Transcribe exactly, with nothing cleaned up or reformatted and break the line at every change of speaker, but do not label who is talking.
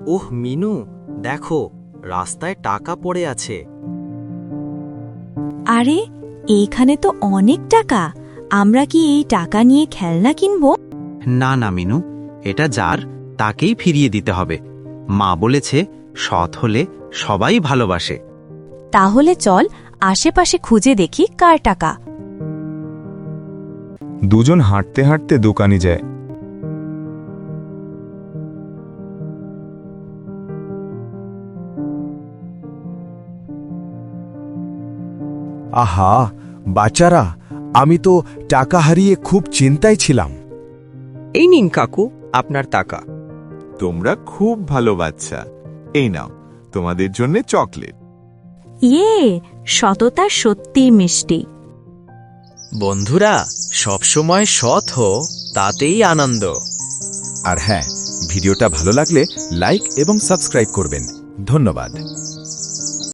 ওহ মিনু, দেখো রাস্তায় টাকা পড়ে আছে।
আরে এইখানে তো অনেক টাকা, আমরা কি এই টাকা নিয়ে খেলনা কিনবো?
না না মিনু, এটা যার তাকেই ফিরিয়ে দিতে হবে। মা বলেছে সৎ হলে সবাই ভালোবাসে।
তাহলে চল আশেপাশে খুঁজে দেখি কার টাকা।
দুজন হাঁটতে হাঁটতে দোকানে যায়।
আহা বাচ্চারা, আমি তো টাকা হারিয়ে খুব চিন্তায় ছিলাম।
এই নিন কাকু আপনার টাকা।
তোমরা খুব ভালো বাচ্চা, এই নাও তোমাদের জন্য চকলেট।
ইয়ে, সততা সত্যিই মিষ্টি।
বন্ধুরা, সবসময় সৎ হো, তাতেই আনন্দ।
আর হ্যাঁ, ভিডিওটা ভালো লাগলে লাইক এবং সাবস্ক্রাইব করবেন। ধন্যবাদ।